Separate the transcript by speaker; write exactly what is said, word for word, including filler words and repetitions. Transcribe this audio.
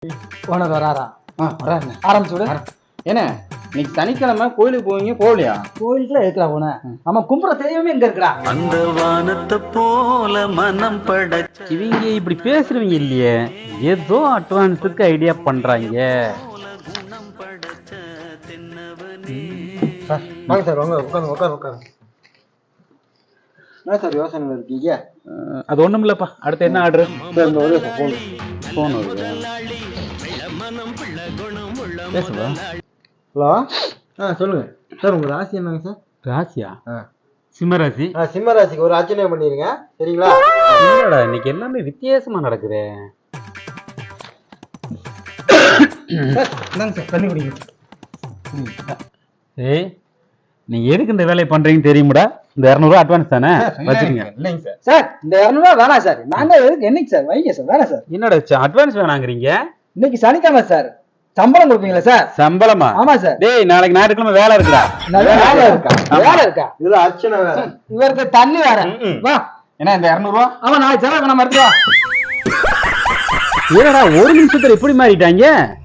Speaker 1: Owner வராரா? ஆரம்பிச்சு விடு.
Speaker 2: என்ன இன்னைக்கு சனிக்கிழமை கோயிலுக்கு போவீங்க, போகலையா?
Speaker 1: கோயிலுக்குலாம் இருக்கிறா போன நம்ம கும்புற தெய்வமே எங்க இருக்கிறா?
Speaker 3: அந்த வானத்தை போல மனம் படைச்ச
Speaker 2: இவங்க இப்படி பேசுறவங்க இல்லையே, ஏதோ அட்வான்ஸுக்கு ஐடியா பண்றாங்க.
Speaker 4: வாங்க சார், வாங்க உட்காந்து உட்காந்து உட்காந்து. என்ன சார் யோசனை இருக்கீங்க?
Speaker 2: அது ஒண்ணும் இல்லப்பா. அடுத்து என்ன ஆர்டர்? போன் வருது. பேசுவா.
Speaker 4: ஹலோ, ஆ சொல்லுங்க சார். உங்க ராசி என்னங்க சார்?
Speaker 2: ராசியா? சிம்மராசி.
Speaker 4: ஆ, சிம்ம ராசிக்கு ஒரு அர்ச்சனை பண்ணிருங்க, சரிங்களா?
Speaker 2: இல்லடா, இன்னைக்கு எல்லாமே வித்தியாசமா நடக்குது.
Speaker 4: என்னங்க சார், தண்ணி குடிங்க.
Speaker 2: ஏய், நீங்க எதுக்கு இந்த வேலையை பண்றீங்கன்னு தெரியுமாடா? இந்த இருநூறு ரூபா அட்வான்ஸ் தானே வச்சுக்கீங்க.
Speaker 4: இல்லைங்க சார்.
Speaker 1: சார் இந்த இருநூறு ரூபா வேணாம் சார். நாங்க எதுக்கு என்னைக்கு சார் வைங்க சார்? வேணாம் சார்.
Speaker 2: என்னடா அட்வான்ஸ் வேணாங்கிறீங்க?
Speaker 1: இன்னைக்கு சனிக்கிழமை சார், சம்பளம் கொடுப்பீங்களா சார்?
Speaker 2: சம்பளமா?
Speaker 1: ஆமா சார்.
Speaker 2: டேய், நாளைக்கு ஞாயிற்றுக்கிழமை வேலை இருக்குடா.
Speaker 1: வேலை இருக்கா? வேலை இருக்கா?
Speaker 4: இதுல அர்ச்சனை வேற.
Speaker 1: இவருக்கு தண்ணி வேற. வா.
Speaker 2: என்ன இந்த இருநூறு ரூபா?
Speaker 1: ஆமா, நாளைக்கு செலவு நம்ம எடுத்து வா.
Speaker 2: ஏடா ஒரு நிமிஷத்துல இப்படி மாறிட்டாங்க.